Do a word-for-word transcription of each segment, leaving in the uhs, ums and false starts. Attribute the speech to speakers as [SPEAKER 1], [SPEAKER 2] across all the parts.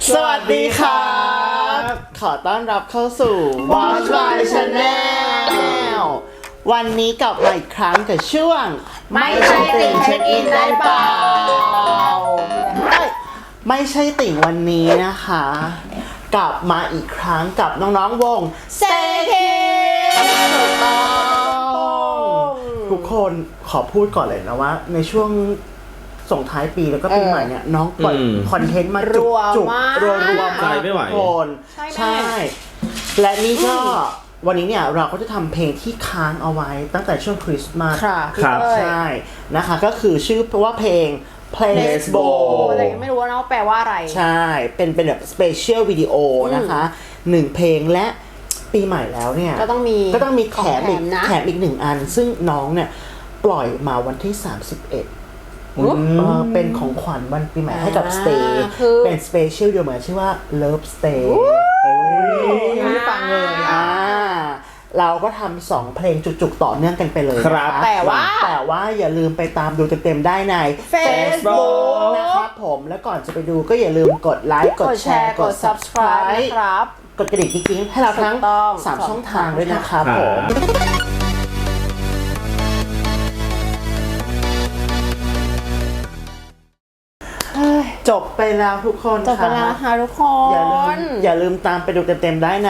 [SPEAKER 1] สวัสดีครับขอต้อนรับเข้าสู่ Watch My Channel วันนี้กลับมาอีกครั้งกับช่วง
[SPEAKER 2] ไม่ใช่ติ่งเช็คอินได้เปล่า
[SPEAKER 1] ไม่ใช่ติ่งวันนี้นะคะ กลับมาอีกครั้งกับน้องๆวง
[SPEAKER 2] Stay Kids
[SPEAKER 1] ถูกต้องทุกคนขอพูดก่อนเลยนะว่าในช่วงส่งท้ายปีแล้วก็ปีใหม่เนี่ยน้องปล่อยคอนเทนต์มาจุกจุกรัวรัวมากทุกคนใช่และนี่ก็วันนี้เนี่ยเราก็จะทำเพลงที่ค้างเอาไว้ตั้งแต่ช่วงคริสต์มาส
[SPEAKER 2] ครับ
[SPEAKER 1] ใช่นะคะก็คือชื่อว่าเพลง Placebo
[SPEAKER 2] แต่ยังไม่รู้ว่าน้องแปลว่าอะไร
[SPEAKER 1] ใช่เป็นเป็นแบบสเปเชียลวิดีโอนะคะหนึ่งเพลงและปีใหม่แล้วเนี่ย
[SPEAKER 2] ก็ต้องมี
[SPEAKER 1] ก็ต้องมีแถมอีกแถมอีกหนึ่งอันซึ่งน้องเนี่ยปล่อยมาวันที่สามสิบเอ็ดเป็นของขวัญวันปีใหม่ให้กับ Stay เป็นสเปเชียลเดียวเหมือนชื่อว่า Love Stay
[SPEAKER 2] ยังไม่ฟังเลย
[SPEAKER 1] อ่าเราก็ทำสองเพลงจุกๆต่อเนื่องกันไปเลย
[SPEAKER 2] ครับแต่ว่า
[SPEAKER 1] แต่ว่าอย่าลืมไปตามดูเต็มๆได้ใน
[SPEAKER 2] Facebook
[SPEAKER 1] นะครับผมและก่อนจะไปดูก็อย่าลืมกดไลค์กดแชร์กด Subscribe
[SPEAKER 2] นะครับ
[SPEAKER 1] กดกระดิ่งกิ๊งๆให้เราทั้งสามช่องทางด้วยนะครับผมจบไปแล้วทุกคน
[SPEAKER 2] จบไปแล้วค่ะทุกค
[SPEAKER 1] นอย่าลืมอย่าลืมตามไปดูเต็มๆได้ใน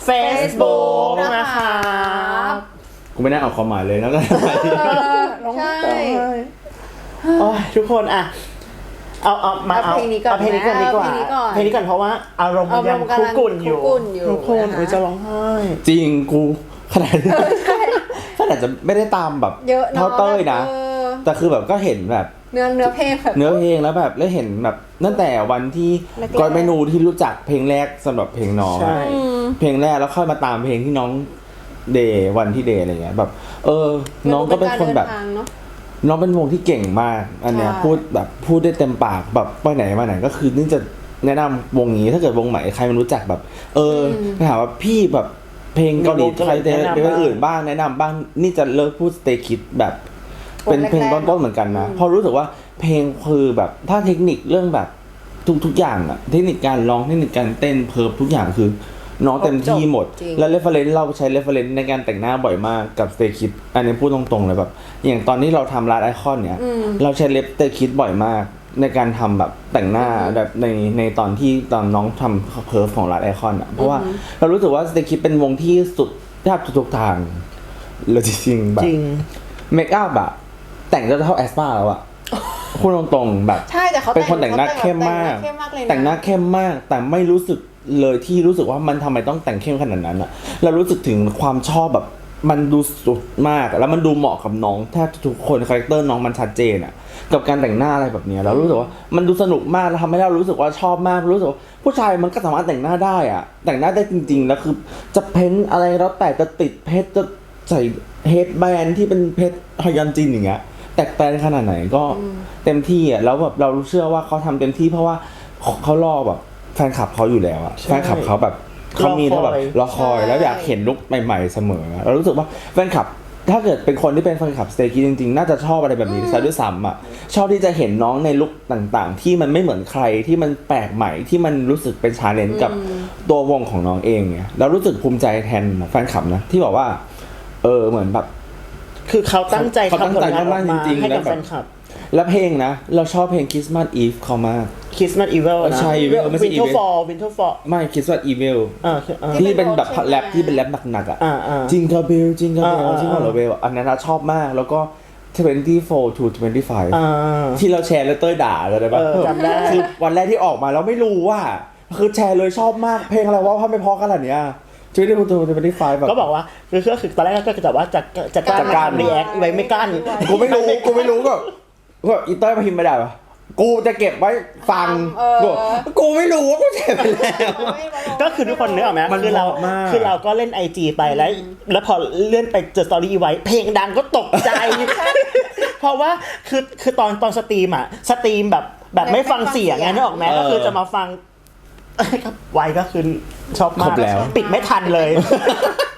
[SPEAKER 1] Facebook นะคะ
[SPEAKER 3] กูไม่ได้เอาความหมายเลยแล้วก็
[SPEAKER 2] ใช่
[SPEAKER 1] โอ้ยทุกคนอ่ะเอาเอามาเอา
[SPEAKER 2] เพลงนี้ก่อน
[SPEAKER 1] เพลงนี้ก่อนดีกว่าเพลงนี้ก่อนเพราะว่าอารมณ์มันยังคุกกุ่นอยู่ทุกคนจะร้องไห้
[SPEAKER 3] จริงกูขนาดขนาดจะไม่ได้ตามแบบเท่าเต้ยนะแต่คือแบบก็เห็นแบบ
[SPEAKER 2] เนื้อเนื้อเพลงแบบ
[SPEAKER 3] เนื้อเพลงแล้วแบบแล้วเห็นแบบตั้งแต่วันที่ก่อนเมนูที่รู้จักเพลงแรกสำหรับเพลงน้องเพลงแรกแล้วค่อยมาตามเพลงที่น้องเดย์วันที่เดย์อะไรเงี้ยแบบเออน้องก็เป็นคนแบบน้องเป็นวงที่เก่งมากอันเนี้ยพูดแบบพูดได้เต็มปากแบบไปไหนมาไหนก็คือนี่จะแนะนำวงนี้ถ้าเกิดวงใหม่ใครมันรู้จักแบบเออถามว่าพี่แบบเพลงเกาหลีใครแต่เพลงอื่นบ้างแนะนำบ้างนี่จะเลิกพูด Stay Kids แบบเป็นเพลงต้นๆเหมือนกันนะเพราะรู้สึกว่าเพลงคือแบบถ้าเทคนิคเรื่องแบบทุกๆอย่างอะเทคนิคการร้องเทคนิคการเต้นเพิร์ฟทุกอย่างคือน้องเต็มที่หมดแล้วเรฟเฟอเรนซ์เราใช้เรฟเฟอเรนซ์ในการแต่งหน้าบ่อยมากกับ Stay Kids อันนี้พูดตรงๆเลยแบบอย่างตอนที่เราทำลาดไอคอนเนี่ยเราใช้เล็บ Stay Kids บ่อยมากในการทำแบบแต่งหน้าแบบในในตอนที่ตอนน้องทำเพิร์ฟของลาดไอคอนอะเพราะว่าเรารู้สึกว่า Stay Kids เป็นวงที่สุดแทบทุกทางเลยจริงๆแบบเมคอัพอะแต่งจะเท่าแอสปาแล้วอะพูดตรงๆแบบ
[SPEAKER 2] ใช่แต่เขา
[SPEAKER 3] เป็นคนแต่งหน้าเข้มมากแต่งหน้าเข้มมากแต่ไม่รู้สึกเลยที่รู้สึกว่ามันทำไมต้องแต่งเข้มขนาดนั้นอะเรารู้สึกถึงความชอบแบบมันดูสุดมากแล้วมันดูเหมาะกับน้องแทบทุกคนคาแรคเตอร์น้องมันชัดเจนอะกับการแต่งหน้าอะไรแบบนี้เรารู้สึกว่ามันดูสนุกมากแล้วทำให้เรารู้สึกว่าชอบมากรู้สึกว่าผู้ชายมันก็สามารถแต่งหน้าได้อะแต่งหน้าได้จริงๆแล้วคือจะเพ้นอะไรแล้วแต่จะติดเพชรจะใส่เฮดแบนด์ที่เป็นเพชรฮยอนจินอย่างเงี้ยแตกแต่ขนาดไหนก็เต็มที่อ่ะแล้วแบบเราเชื่อว่าเขาทำเต็มที่เพราะว่าเขารอแบบแฟนคลับเขาอยู่แล้วอ่ะแฟนคลับเขาแบบเขามีแล้วแบบรอคอยแล้วอยากเห็นลุคใหม่ๆเสมอเรารู้สึกว่าแฟนคลับถ้าเกิดเป็นคนที่เป็นแฟนคลับ Stay Kids จริงๆน่าจะชอบอะไรแบบนี้ซะด้วยซ้ำอ่ะชอบที่จะเห็นน้องในลุคต่างๆที่มันไม่เหมือนใครที่มันแปลกใหม่ที่มันรู้สึกเป็นชาเลนจ์กับตัววงของน้องเองเนี่ยเรารู้สึกภูมิใจแทนแฟนคลับนะที่บอกว่าเออเหมือนแบบ
[SPEAKER 1] คือเขาตั้งใจ
[SPEAKER 3] ทำผลงานมากจริงๆ
[SPEAKER 1] ให้
[SPEAKER 3] กับ
[SPEAKER 1] แฟนคลับ
[SPEAKER 3] และเพลงนะเราชอบเพลง Christmas Eve เขามาก
[SPEAKER 1] Christmas Evil นะ
[SPEAKER 3] ใช่ Evil ไม่ใช่
[SPEAKER 1] Winter Fall Winter Fall
[SPEAKER 3] ไม่ Christmas Evil
[SPEAKER 1] อ่า
[SPEAKER 3] ที่เป็นแบบแรปที่เป็นแรปหนักๆอ่ะจิงกาเบลจิงกาเบลจิงกาเบลอันนั้นชอบมากแล้วก็twenty-four to twenty-five ที่เราแชร์แล้วเต้ยด่าเลยได้ป่ะ
[SPEAKER 1] จำได้
[SPEAKER 3] คือวันแรกที่ออกมาแล้วไม่รู้ว่าคือแชร์เลยชอบมากเพลงอะไรว่าทำไมเพราะขนาดเนี้ยช่วยได้พูดตัวจะไม่ได้ไฟแบบ
[SPEAKER 1] ก็บอกว่าคือก็คือตอนแรกก็จะว่าจะจะกล้ารีแอคไว้ไม่กล้า
[SPEAKER 3] กูไม่รู้กูไม่รู้ก็ก็อีเต้ยมาพิมพ์ไม่ได้ปะกูจะเก็บไว้ฟังกูกูไม่รู้ว่ากูแชร์ไปแล้ว
[SPEAKER 1] ก็คือทุกคนนึกออกไหมคือเราคือเราก็เล่น ไอ จี ไปแล้วแล้วพอเลื่อนไปเจอสตอรี่ไว้เพลงดังก็ตกใจเพราะว่าคือคือตอนตอนสตรีมอ่ะสตรีมแบบแบบไม่ฟังเสียงไงนึกออกไหมก็คือจะมาฟังไวก็คือชอบมากปิดไม่ทันเลย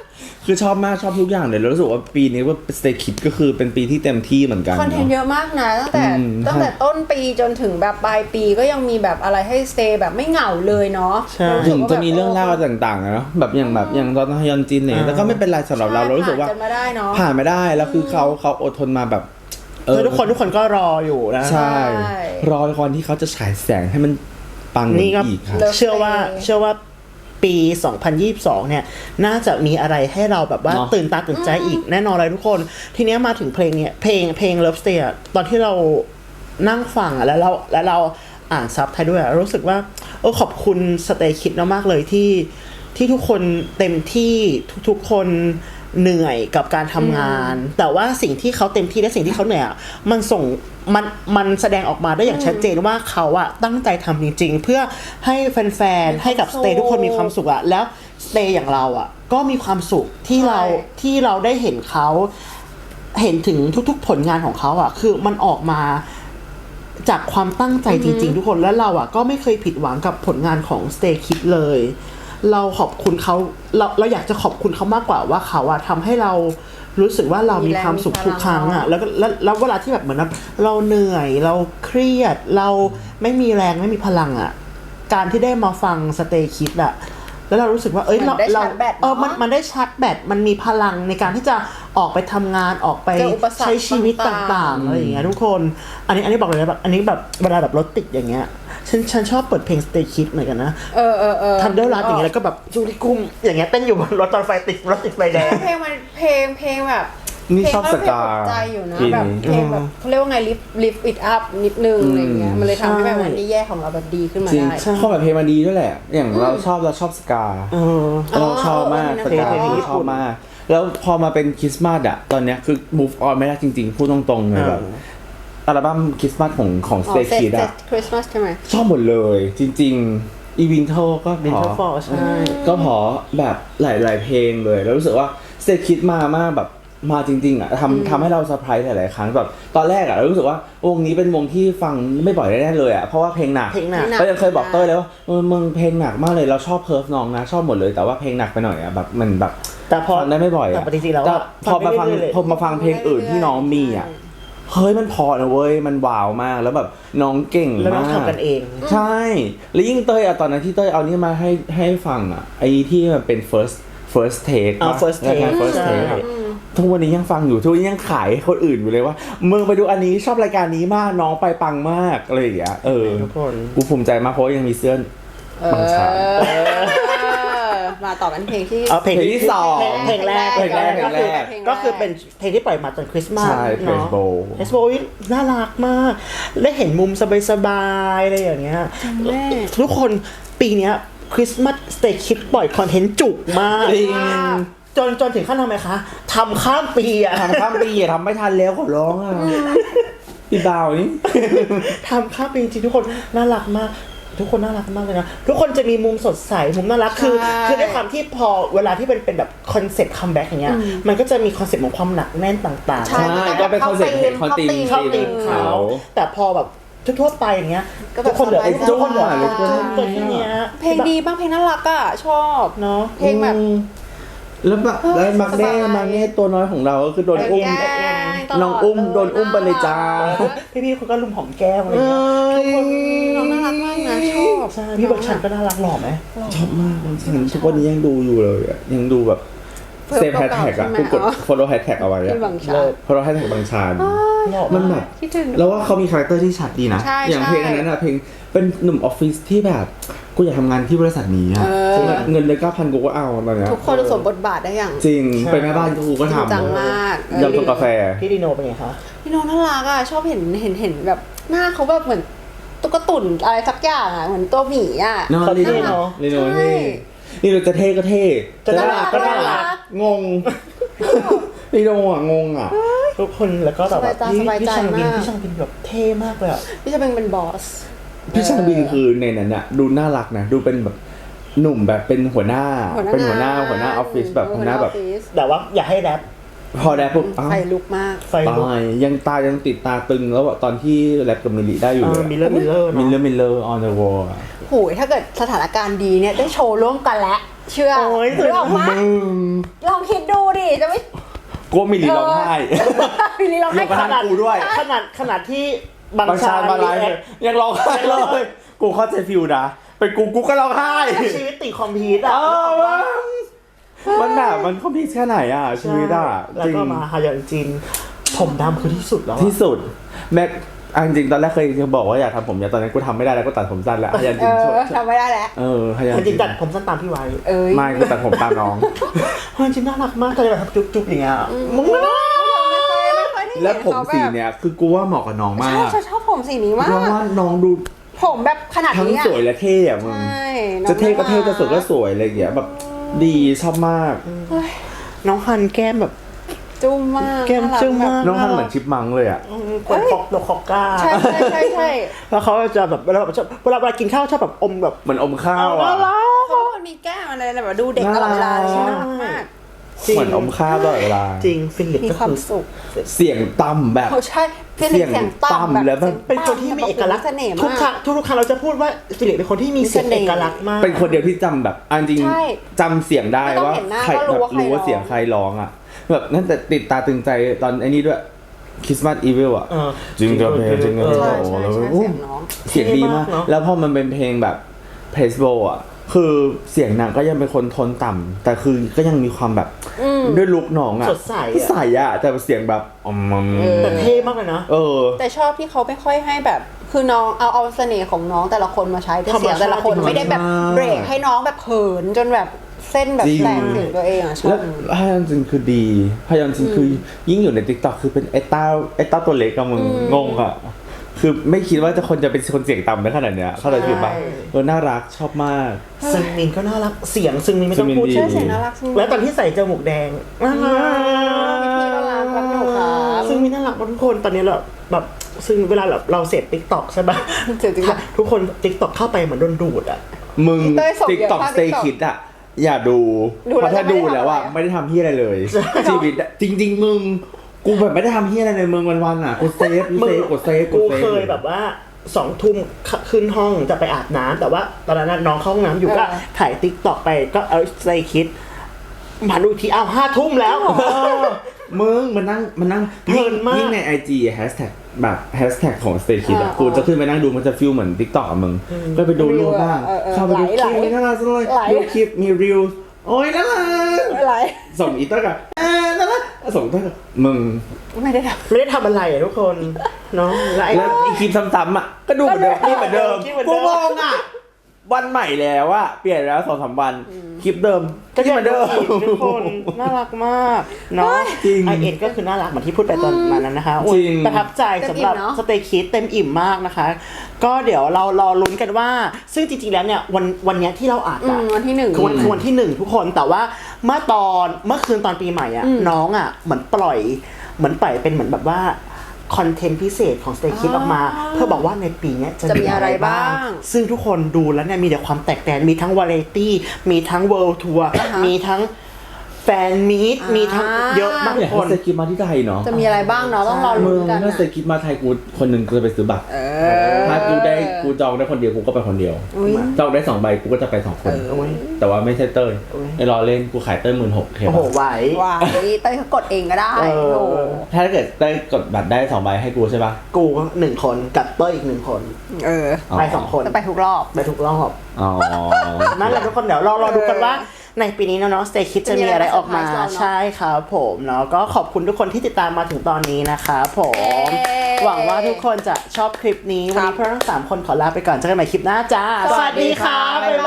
[SPEAKER 3] คือชอบมากชอบทุกอย่างเลยแล้วรู้สึกว่าปีนี้ว่า Stay Kids ก็คือเป็นปีที่เต็มที่เหมือนกัน
[SPEAKER 2] คอนเทนต์เยอะมากนะตั้งแต่ตั้งแต่ต้นปีจนถึงแบบปลายปีก็ยังมีแบบอะไรให้สเตย์แบบไม่เหงาเลยเนาะ
[SPEAKER 3] ถึงจะมีเรื่องเล่าต่างๆนะแบบอย่างแบบอย่างตอนฮยอนจินเนี่ยแต่ก็ไม่เป็นไรสำหรับเราเรารู้สึกว่า
[SPEAKER 2] ผ่านกันมาได้เนาะ
[SPEAKER 3] ผ่านไม่ได้แล้วคือเขาเขาอดทนมาแบบ
[SPEAKER 1] เออทุกคนทุกคนก็รออยู่นะ
[SPEAKER 3] ใช่ รอละครที่เขาจะฉายแสงให้มันปัง
[SPEAKER 1] นี่ก็
[SPEAKER 3] อีกครับ
[SPEAKER 1] เชื่อว่าเชื่อว่าปี สองพันยี่สิบสอง เนี่ยน่าจะมีอะไรให้เราแบบว่า
[SPEAKER 3] เนอะ
[SPEAKER 1] ตื่นตาตื่นใจอีกแน่นอนเลยทุกคน ทีเนี้ยมาถึงเพลงเนี่ยเพลงเพลง Love Stay อะตอนที่เรานั่งฟังอะแล้วเราแล้วเราอ่านซับไทยด้วยอะรู้สึกว่าเออขอบคุณ Stay Kids มากๆเลยที่ที่ทุกคนเต็มที่ทุกๆคนเหนื่อยกับการทำงาน แต่ว่าสิ่งที่เขาเต็มที่และสิ่งที่เขาเหนื่อยอะมันส่งมันมันแสดงออกมาได้อย่างชัดเจนว่าเขาอะตั้งใจทำจริงๆ เพื่อให้แฟนๆให้กับสเตย์ทุกคนมีความสุขอะแล้วสเตย์อย่างเราอะก็มีความสุขที่เราที่เราได้เห็นเขาเห็นถึงทุกๆผลงานของเขาอะคือมันออกมาจากความตั้งใจจริงๆ ทุกคนและเราอะก็ไม่เคยผิดหวังกับผลงานของ Stay Kids เลย เราขอบคุณเขาเราเราอยากจะขอบคุณเขามากกว่าว่าเขาอะทำให้เรารู้สึกว่าเรามีความสุขทุกครั้งอะแล้วก็แล้วแล้วเวลาที่แบบเหมือนแบบเราเหนื่อยเราเครียดเราไม่มีแรงไม่มีพลังอะการที่ได้มาฟัง Stay Kids อะแล้วเรารู้สึกว่าเอ้ยเราเราเออมันมันได้ชาร์จแบตมันมีพลังในการที่จะออกไปทำงานออกไปใช้ชีวิตต่างๆอะไรอย่างเงี้ยทุกคนอันนี้อันนี้บอกเลยนะแบบอันนี้แบบเวลาแบบรถติดอย่างเงี้ยฉันฉันชอบเปิดเพลง Stay Kids เหมือนกันนะ
[SPEAKER 2] เออเออเออ
[SPEAKER 1] ทันเดอร์ลัสอย่างเงี้ยแล้วก็แบบจูริกุ้มอย่างเงี้ยเต้นอยู่บนรถตอนไฟติดรถติดไฟแดง
[SPEAKER 2] เพลงมันเพลงเพลงแบบ
[SPEAKER 3] นี่ชอบสกา
[SPEAKER 2] เพลงใจอยู่นะ
[SPEAKER 3] ทีนี้
[SPEAKER 2] แบบเพลงแบบเขาเรียกว่าไง lift lift it up นิดนึงอะไรเงี้ยมันเลยทำให้แบบวันที่แย่ของเราแบบดีขึ้นมา
[SPEAKER 3] จริง
[SPEAKER 2] ได้
[SPEAKER 3] ข้อแบบเพลงมันดีด้วยแหละ อย่างเราชอบเราชอบสกา
[SPEAKER 1] เออ
[SPEAKER 3] เราชอบมาก
[SPEAKER 2] อ๋อ
[SPEAKER 3] สกา
[SPEAKER 1] เพลงญี่
[SPEAKER 3] ช
[SPEAKER 1] ปุ่
[SPEAKER 3] อบ
[SPEAKER 1] น
[SPEAKER 3] มาก แล้วพอมาเป็นคริสต์มาสอะตอนเนี้ยคือ move on ไม่ได้จริงๆ พูดตรงๆเลยแบบอัลบั้มคริสต์มาสของของ
[SPEAKER 2] อ๋อ
[SPEAKER 3] Stay
[SPEAKER 2] เซต
[SPEAKER 3] Kids
[SPEAKER 2] เซต
[SPEAKER 3] อะ
[SPEAKER 2] คริสต์มาสใช่ไหม
[SPEAKER 3] ชอบหมดเลยจริงๆอีวินเทอร์ก็
[SPEAKER 1] วิน
[SPEAKER 3] พ
[SPEAKER 1] เท
[SPEAKER 3] อ
[SPEAKER 1] อร์ฟอร์ใช่
[SPEAKER 3] ก็พอแบบหลายๆเพลงเลย แล้วรู้สึกว่า Stay Kids มามากแบบมาจริงๆอะทำทำให้เราเซอร์ไพรส์หลายๆครั้งแบบตอนแรกอะเรารู้สึกว่าวงนี้เป็นวงที่ฟังไม่บ่อยแน่ๆเลยอะเพราะว่าเพลงหนัก
[SPEAKER 1] เพลงหนัก
[SPEAKER 3] ก็ยังเคยบอกเต้ยเลยว่าเออมึงเพลงหนักมากเลยเราชอบเคิร์ฟน้องนะชอบหมดเลยแต่ว่าเพลงหนักไปหน่อยอะแบบมันแบบ
[SPEAKER 1] แต่พอ
[SPEAKER 3] ฟังได้ไม่บ่อย
[SPEAKER 1] แต่
[SPEAKER 3] อะ
[SPEAKER 1] ปกติแล้ว
[SPEAKER 3] แต่
[SPEAKER 1] อะ
[SPEAKER 3] พอมาฟัง
[SPEAKER 1] เรื่อยๆ
[SPEAKER 3] พอมาฟังเพลงอื่นที่น้องมีอะเฮ้ยมันพอนะเว้ยมันว้าวมากแล้วแบบน้องเก่ง
[SPEAKER 1] แล้วน้อง
[SPEAKER 3] มาก
[SPEAKER 1] ทำกันเอง
[SPEAKER 3] ใช่แล้วยิ่งเต้ยอะตอนนั้นที่เต้ยเอานี่มาให้ให้ฟังอะไอ้ที่มันเป็น first first take
[SPEAKER 1] อ่า
[SPEAKER 3] ปะ
[SPEAKER 1] first
[SPEAKER 3] รายการ
[SPEAKER 1] take
[SPEAKER 3] first
[SPEAKER 1] ใช่
[SPEAKER 3] take อะทุกวันนี้ยังฟังอยู่ทุกวันนี้ยังขายให้คนอื่นอยู่เลยว่ามึงไปดูอันนี้ชอบรายการนี้มากน้องไปปังมากอะไรอย่างเงี้ยเออ
[SPEAKER 1] ทุกคน
[SPEAKER 3] กูภูมิใจมากเพราะว่ายังมีเสื้อบางชา
[SPEAKER 2] เออมาต่อกันเพลงที่
[SPEAKER 1] เอาเพลง
[SPEAKER 3] เพลงที่สอง
[SPEAKER 1] เพลงเพลงแรก
[SPEAKER 3] เพลงแรกเพลงแรก
[SPEAKER 1] ก็คือเป็นเพลงที่ปล่อยมาตอนคริสต์มาส
[SPEAKER 3] ใช่
[SPEAKER 1] เนาะ
[SPEAKER 3] Praise Bowl
[SPEAKER 1] เอสโบน่ารักมากได้เห็นมุมสบายๆอะไรอย่างเงี้ย
[SPEAKER 2] แม่
[SPEAKER 1] ทุกคนปีเนี้ยคริสต์มาสสเตย์คิดปล่อยคอนเทนต์จุกมาก
[SPEAKER 3] จริง
[SPEAKER 1] จนจนถึงขั้นทำไมคะทำข้ามปีอะ
[SPEAKER 3] ทำข้ามปีอะทำไม่ทันแล้วขอร้องอ่ะพี่บ่าวนี่
[SPEAKER 1] ทำข้ามปีจริงๆทุกคนน่ารักมาก ทุกคนน่ารักมากเลยนะทุกคนจะมีมุมสดใสมุมน่ารักคือ
[SPEAKER 2] ใช่
[SPEAKER 1] คือด้วยความที่พอเวลาที่เป็นเป็นแบบคอนเซ็ปต์คัมแบ็กอย่างเงี้ยมันก็จะมีคอนเซ็ปต์ของความหนักแน่นต่างๆ
[SPEAKER 2] ใช่
[SPEAKER 3] ก็เป็นคอนเซ็ปต์เพลงคอนตีม
[SPEAKER 1] ชอบตีมเขาแต่พอแบบทั่วๆไปอย่างเงี้ย
[SPEAKER 2] ก็แบบ
[SPEAKER 1] ทุกคนเหลือ
[SPEAKER 2] สบายๆ
[SPEAKER 1] ทุกคนเหลือ
[SPEAKER 3] สบายๆ
[SPEAKER 1] จุ๊บตัวแค่เนี้ย
[SPEAKER 2] เพลงดีบ้างเพลงน่ารักอ่ะชอบ
[SPEAKER 1] เนาะ
[SPEAKER 2] เพลงแบบ
[SPEAKER 3] แล้วแบบแล้วมักเน่มักเน่ตัวน้อยของเราก็คือโดนอุ้ม
[SPEAKER 2] แกล้งตลด
[SPEAKER 3] น้องอุ้มโดนอุ้มไปเลยจ้า
[SPEAKER 1] พี่ๆเขาก็ลุมหอมแก้มอะไรเงี้ย
[SPEAKER 2] น้องน่ารักมากนะชอบ
[SPEAKER 1] ใช่พี่บักชันก็น่ารักหล่อไหม
[SPEAKER 3] ชอบมากฉันทุกวันนี้ยังดูอยู่เลยอะยังดูแบบเซฟแฮชแท็กอะกูกด follow hashtag เอาไว้อะ
[SPEAKER 2] ที่บางชา
[SPEAKER 3] follow hashtag บางชาญ
[SPEAKER 1] หล่อ
[SPEAKER 3] มันแบบ
[SPEAKER 2] คิดถึง
[SPEAKER 3] แล้วว่าเขามีคาแรคเตอร์ที่ชัดดีนะ
[SPEAKER 2] ใช่
[SPEAKER 3] อย่าง
[SPEAKER 2] ใช่
[SPEAKER 3] เพลงอันนั้นอะเพลงเป็นหนุ่มออฟฟิศที่แบบกูอยากทำงานที่บริษัทนี้อะ
[SPEAKER 2] เออ
[SPEAKER 3] คือแบบเงินเดือนเก้าพันกูก็เอาตอนเนี้ย
[SPEAKER 2] ทุกคนสวมบทบาทได้อย่าง
[SPEAKER 3] จริงไปแม่บ้านกูก็
[SPEAKER 2] จริงจัง
[SPEAKER 3] ทำ
[SPEAKER 2] มาก
[SPEAKER 3] ยำตัวกาแฟ
[SPEAKER 1] พี่ดีโนเป็นไงคะ
[SPEAKER 2] พี่น้องน่ารักอ่ะชอบเห็นเห็นเห็นแบบหน้าเขาแบบเหมือนตุ๊กตุ่นอะไรสักอย่างอ่ะเหมือนตัวหมีอ่ะ
[SPEAKER 3] เนาะ
[SPEAKER 1] เขา
[SPEAKER 3] ลีโน
[SPEAKER 1] เท่เนอะ
[SPEAKER 3] ลีโน
[SPEAKER 2] ใช่
[SPEAKER 3] เท่นี่เราจะเท่ก็เท่
[SPEAKER 1] จะน่ารักก็น่ารัก
[SPEAKER 3] งงลีโนอ่ะงงอ่ะ
[SPEAKER 1] ทุกคนแล้วก็แบบว่า
[SPEAKER 2] สบายตา
[SPEAKER 1] พี่
[SPEAKER 2] สบาย
[SPEAKER 1] พี่
[SPEAKER 2] ใจ
[SPEAKER 1] ชังบิน
[SPEAKER 2] มาก
[SPEAKER 1] พี่ชังบินแบบเท่มากเลยอ่ะ
[SPEAKER 2] พี่จะเป็นเป็นบอส
[SPEAKER 3] พี่ช่างบินคือในนั้นอะดูน่ารักนะดูเป็นแบบหนุ่มแบบเป็นหัวหน้าเป็นหัวหน้าหัวหน้าออฟฟิศแบบหัวหน้าแบบ
[SPEAKER 1] แต่ว่าอย่าให้แรป
[SPEAKER 3] พอแรปปุ๊บอ้าว
[SPEAKER 2] ไฟลุกมาก
[SPEAKER 1] ไฟลุก
[SPEAKER 3] ตายยังตายังติดตาตึงแล้วอะตอนที่แรปกับมิลลิได้อยู่เลย
[SPEAKER 1] มิลเลอร์มิลเลอร์
[SPEAKER 3] มิลเลอ
[SPEAKER 1] เนาะ
[SPEAKER 3] ร์มิลเลอร์ on the wall อะ
[SPEAKER 2] โหยถ้าเกิดสถานการณ์ดีเนี่ยได้โชว์ร่วมกันแล้วเชื่อ
[SPEAKER 1] โอ้ย
[SPEAKER 2] หรือออกมา
[SPEAKER 3] มึง
[SPEAKER 2] ลองคิดดูดิจะไม่
[SPEAKER 3] กูมีลีร้องไห้
[SPEAKER 2] พี่ลีลองให้
[SPEAKER 3] ยกกระทั่งกูด้วย
[SPEAKER 1] ขนาดขนาดที่บาง
[SPEAKER 3] บางชา
[SPEAKER 1] ชา
[SPEAKER 3] ญมาไลฟ์
[SPEAKER 1] รีแอค
[SPEAKER 3] ยังร้องไห้เลยกูเข้าใจฟิลนะเป็นกูกูก็ร้องไห้
[SPEAKER 1] ชีวิตติดคอมพิวต์
[SPEAKER 3] เอ
[SPEAKER 1] อ่ะ
[SPEAKER 3] อมันแบบมันคอมพลีทแค่ไหนอ่ะชีวิตอ่ะ
[SPEAKER 1] แล้ว
[SPEAKER 3] จริง
[SPEAKER 1] ก็มาฮายอนจิน ผมดำคือที่สุดแล้วอะ
[SPEAKER 3] ที่สุดแม็กอันจริงตอนแรกเคยจะบอกว่าอยากทำผมยาวตอนนั้นกูทำไม่ได้แล้วก็ตัดผมสั้นแล้วฮยัน
[SPEAKER 2] เอ
[SPEAKER 3] จิน
[SPEAKER 2] อ
[SPEAKER 3] ช่วย
[SPEAKER 2] ทำไม่ได้แล้ว
[SPEAKER 3] เออฮยัน
[SPEAKER 1] จ
[SPEAKER 3] จิ
[SPEAKER 1] ริ
[SPEAKER 3] น
[SPEAKER 1] งๆตัดผมสั้นตามพี่ไว้
[SPEAKER 2] เอ้ย
[SPEAKER 3] ไม่กูตัดผมตามน้อง
[SPEAKER 1] ฮายอนจินน่ารักมากเลยแบบจุ๊บๆอย่างเงี้ยมึงน่ารัก
[SPEAKER 2] ไม่ค่อยไม่ค่อยได้เห็น
[SPEAKER 3] แล้วผม
[SPEAKER 2] เขาแบบ
[SPEAKER 3] สีเนี้ยคือกูว่าเหมาะกับน้องมา
[SPEAKER 2] ใช่
[SPEAKER 3] ก
[SPEAKER 2] ฉันชอบผมสีนี้มา
[SPEAKER 3] เพราะ
[SPEAKER 2] ก
[SPEAKER 3] ว่าน้องดู
[SPEAKER 2] ผมแบบขนาด
[SPEAKER 3] ทั้ง
[SPEAKER 2] นี้อะ
[SPEAKER 3] สวยและเท่อะมึง
[SPEAKER 2] ใช่น้อง
[SPEAKER 3] จะเท่ก็เท่
[SPEAKER 2] น่ารั
[SPEAKER 3] จะสวยก็สวยอะไรอย่างเงี้ยแบบดีชอบมาก
[SPEAKER 1] น้องฮันแก้มแบบ
[SPEAKER 2] จุ้มมาก
[SPEAKER 1] แก้มจุ้มมาก
[SPEAKER 3] น้องทำเหมือนชิปมังเลยอ่ะ
[SPEAKER 1] คนคอกโลคอกก้า
[SPEAKER 2] ใช่ใช่ใช่ใช่
[SPEAKER 1] แล้วเขาจะแบบเวลาชอบเวลาเวลากินข้าวชอบแบบอมแบบ
[SPEAKER 3] เหมือนอมข้าวอ่ะ
[SPEAKER 2] เขาเป็นคนมีแก้มอะไรแบบดูเด็กตลอดเวลาเลยน่ารักมาก
[SPEAKER 3] เหมือนอมข้าวตลอดเวลา
[SPEAKER 1] จริงฟิลิป
[SPEAKER 2] มี
[SPEAKER 1] ก็
[SPEAKER 2] ความ
[SPEAKER 1] คือ
[SPEAKER 2] สุข
[SPEAKER 3] เสียงต่ำแบบ
[SPEAKER 2] เขาใช่ฟิลิปเสียง
[SPEAKER 3] ต่ำ
[SPEAKER 2] ต่ำแบบ
[SPEAKER 3] แล้วแบบ
[SPEAKER 1] เป็นคนที่มีเอกลักษณ์
[SPEAKER 2] เสน่ห์
[SPEAKER 1] ทุก
[SPEAKER 2] มา
[SPEAKER 1] ครั้
[SPEAKER 2] ก
[SPEAKER 1] งทุกๆครั้งเราจะพูดว่าฟิลิปเป็นคนที่มีเสียงเอกลักษณ์มาก
[SPEAKER 3] เป็นคนเดียวที่จำแบบอันจริง
[SPEAKER 2] ใช่
[SPEAKER 3] จำเสียงได้
[SPEAKER 2] ไม่ต้อง
[SPEAKER 3] ว่า
[SPEAKER 2] เห็นหน้า
[SPEAKER 3] ใคร
[SPEAKER 2] ก็รู้
[SPEAKER 3] แบบ
[SPEAKER 2] ว่าใคร
[SPEAKER 3] รู้ว่า
[SPEAKER 2] ร้อง
[SPEAKER 3] เสียงใครร้องอ่ะแบบนั่นแต่ติดตาตึงใจตอนไอ้นี้ด้วยคริสต์มาสอีวิลอ่ะ
[SPEAKER 1] เออ
[SPEAKER 3] จริงกับเพลงจริงกับเพลง
[SPEAKER 2] ใช่
[SPEAKER 3] โอ้
[SPEAKER 2] ใช่
[SPEAKER 3] แล้ว
[SPEAKER 2] ใช่
[SPEAKER 3] โอ้
[SPEAKER 2] เสียงน้อง
[SPEAKER 3] เสียงดีมาก
[SPEAKER 1] เท่มากเนอะ
[SPEAKER 3] แล้วพอมันเป็นเพลงแบบเพลสโบอ่ะคือเสียงนางก็ยังเป็นคนโทนต่ำแต่คือก็ยังมีความแบบด้วยลุคน้องอ่ะ
[SPEAKER 1] สดใสอะ
[SPEAKER 3] ใสอ่ะแต่เสียงแบบอืม
[SPEAKER 1] แต่เท่มากเลยนะ
[SPEAKER 3] เออ
[SPEAKER 2] แต่ชอบที่เขาไม่ค่อยให้แบบคือน้องเอาเอาเสน่ห์ของน้องแต่ละคนมาใช้แต่เสียงแต่ละคน
[SPEAKER 1] ธรรมชาติ
[SPEAKER 2] ไม่ได้แบบเบรกให้น้องแบบเขินจนแบบเส้นแบบ
[SPEAKER 3] จริง
[SPEAKER 2] แตกเสียงตัวเองอ่ะชอ
[SPEAKER 3] แล้
[SPEAKER 2] บ
[SPEAKER 3] วฮยอนจินคือดีฮยอนจินคือยิ่งอยู่ใน TikTok คือเป็นไอ้เต้าไอ้เต้าตัวเล็กอะมึงงงอะคือไม่คิดว่าจะคนจะเป็นคนเสียงต่ำได้ขนาดเนี้ยเข้าใจผิดปะเออน่ารักชอบมาก
[SPEAKER 1] ซึงมินก็น่ารักเสียงซึงมินไม่ต้องพูด
[SPEAKER 3] ซึงมินดี
[SPEAKER 2] ใช่เสียงน่ารักจริง
[SPEAKER 1] แล้วตอนที่ใส่จมูกแดงน่ารัก
[SPEAKER 2] พี่ๆก็รักรักหนูครับ
[SPEAKER 1] ซึ่งมินน่ารักมากทุกคนตอนนี้เราแบบซึ่งเวลาแบบเราเสพติ๊กต็อกใช่ปะ
[SPEAKER 2] เสียงจริง
[SPEAKER 1] ทุกคนติ๊กต็อกเข้าไปเหมือนโดนดูดอ่ะ
[SPEAKER 3] มึง
[SPEAKER 2] เต้ยส่งเยอะ
[SPEAKER 3] TikTok
[SPEAKER 2] มาก
[SPEAKER 3] Stay
[SPEAKER 2] TikTok
[SPEAKER 3] Kid อะอย่าดู
[SPEAKER 2] ดู
[SPEAKER 3] เพ
[SPEAKER 2] แล้ว
[SPEAKER 3] ราะถ้า
[SPEAKER 2] จะไม่
[SPEAKER 3] ดู
[SPEAKER 2] ได้
[SPEAKER 3] แล้วอะ
[SPEAKER 2] ทำอะไร
[SPEAKER 3] ไม่ได้ทำเฮียอะไรเลยชีวิตอะจริง ๆ มึงกูแบบไม่ได้ทำเฮียอะไรเลยมึงวันๆอะกูเซฟกูเซฟกูเซฟ
[SPEAKER 1] กู
[SPEAKER 3] เซฟ
[SPEAKER 1] เคยแบบว่าสองทุ่มขึ้นห้องจะไปอาบน้ำแต่ว่าตอนนั้นน้องเข้าห้องน้ำอยู่ก็ถ่ายติ๊กต็อกไปก็เอาใส่คิดมาดูทีอ้าวห้าทุ่มแล้ว
[SPEAKER 3] มึงมันนั่งมันนั่ง
[SPEAKER 1] เพลินมาก
[SPEAKER 3] ยิ่งใน ไอ จี แฮชแท็กแบบแฮชแท็กของ Stay Kid อะ
[SPEAKER 2] อ่า
[SPEAKER 3] กูจะขึ้นไปนั่งดูมันจะฟิลเหมือน TikTok อะมึงก็ไปดูรูปบ้าง
[SPEAKER 2] เออเออ
[SPEAKER 3] เข้าไปดูค
[SPEAKER 2] ไหล
[SPEAKER 3] ลิป
[SPEAKER 2] ไหล
[SPEAKER 3] น่ารักเลย
[SPEAKER 2] ไหล
[SPEAKER 3] ดูคลิปมีรีวโอ้ยน่ารัก
[SPEAKER 2] อะไร
[SPEAKER 3] ส่งอีเตอร์กับอ่าน่ารักส่งเตอร์กับมึง
[SPEAKER 2] ไม่ได้ท
[SPEAKER 1] ไม่ได้ทำอะไรอะทุกคนเนาะแล้วไอ้
[SPEAKER 3] แล้วอีคลิปซ้ำๆอ่ะก็ดูเหมือนเดิมคลิปเหมือนเดิม
[SPEAKER 1] คลิปเหมือนเดิ
[SPEAKER 3] กู
[SPEAKER 1] ม
[SPEAKER 3] งงอ่ะวันใหม่แล้วอะเปลี่ยนแล้วสองสามวันคลิปเดิมก็ยังเหมือนเดิม
[SPEAKER 1] ทุกคนน่ารักมากเนาะ
[SPEAKER 3] จริง
[SPEAKER 1] ไอเอ็นก็คือน่ารักเหมือนที่พูดไปตอนนั้นนะคะโอ้ย
[SPEAKER 3] จริง
[SPEAKER 1] ประทับใจสำหรับสเตย์คิดเต็มอิ่มมากนะคะ ก็เดี๋ยวเรารอลุ้นกันว่า ซึ่งจริงๆแล้วเนี่ยวันวันเนี้ยที่เราอ่าน
[SPEAKER 2] ำอื
[SPEAKER 1] อะ
[SPEAKER 2] มวันที่หนึ่ง
[SPEAKER 1] คือวันคือวันที่หนึ่งทุกคนแต่ว่าเมื่อตอนเมื่อคืนตอนปีใหม่อ่ะ
[SPEAKER 2] อืม
[SPEAKER 1] น้องอ่ะเหมือนปล่อยเหมือนปล่อยเป็นเหมือนแบบว่าคอนเทนต์พิเศษของ Stay Kids ออกมา เพื่อบอกว่าในปีเนี้ยจะ
[SPEAKER 2] จะมี
[SPEAKER 1] มีอะไร
[SPEAKER 2] อะไร
[SPEAKER 1] บ้าง
[SPEAKER 2] บ้าง
[SPEAKER 1] ซึ่งทุกคนดูแล้วเนี่ยมีแต่ความแตกแตนมีทั้งวาไรตี้มีทั้งเวิลด์ทัวร์
[SPEAKER 2] อ่าฮะ
[SPEAKER 1] มีทั้งแฟนมีต
[SPEAKER 2] อ่ามี
[SPEAKER 1] มีทั้งเยอะมาก
[SPEAKER 3] ไม่อ
[SPEAKER 1] ทุ
[SPEAKER 3] ยาก
[SPEAKER 1] กค
[SPEAKER 3] ให้
[SPEAKER 1] น
[SPEAKER 3] เซกิมาที่ไทยเนาะ
[SPEAKER 2] จะมีอะไรบ้างเนาะต้องรอ
[SPEAKER 3] มึ
[SPEAKER 2] ลุ้
[SPEAKER 3] ง
[SPEAKER 2] นกัน
[SPEAKER 3] ถ้า
[SPEAKER 2] อะ
[SPEAKER 3] เซกิมาไทยกูคนหนึ่งกูจะไปซื้อบัตร
[SPEAKER 2] เออ
[SPEAKER 3] ถ้ากูได้กูจองได้คนเดียวกูก็ไปคนเดียว
[SPEAKER 2] อุ๊ย
[SPEAKER 3] จองได้สองใบกูก็จะไปสองคน
[SPEAKER 1] โอ้ย
[SPEAKER 3] แต่ว่าไม่ใช่เต้ย
[SPEAKER 1] โอ้ย
[SPEAKER 3] ไอ้รอเล่นกูขายเต้ยหมื่นหกเค
[SPEAKER 1] โอ้โห
[SPEAKER 3] ปะ
[SPEAKER 1] ไหว
[SPEAKER 2] ว้ายเต้ยเขากดเองก็ได้
[SPEAKER 1] เออ
[SPEAKER 2] โอ้โห
[SPEAKER 3] ถ้าเกิดเต้ยกดบัตรได้สองใบให้กูใช่ปะ
[SPEAKER 1] กูก็หนึ่งคนกับเต้ยอีกหนึ่งคน
[SPEAKER 2] เออ
[SPEAKER 1] ไปสองคน
[SPEAKER 2] จะไปทุกรอบ
[SPEAKER 1] ไปทุกรอบ
[SPEAKER 3] อ๋อ
[SPEAKER 1] นั่นแหละทุกคนเดี๋ยวรอรอดูกันว่าในปีนี้เนาะ Stay Kids จะมีอะไรออกมา
[SPEAKER 2] จะมีอะไรมาเซอร์ไพรส์เราเนอะ
[SPEAKER 1] ใช่ครับผมเนาะก็ขอบคุณทุกคนที่ติดตามมาถึงตอนนี้นะคะผม
[SPEAKER 2] เย้
[SPEAKER 1] หวังว่าทุกคนจะชอบคลิปนี้ วันนี้พวกเราทั้งสามคนขอลาไปก่อนเจอกันใหม่คลิปหน้าจ้า
[SPEAKER 2] สวัสดีค่ะ
[SPEAKER 1] บ๊ายบาย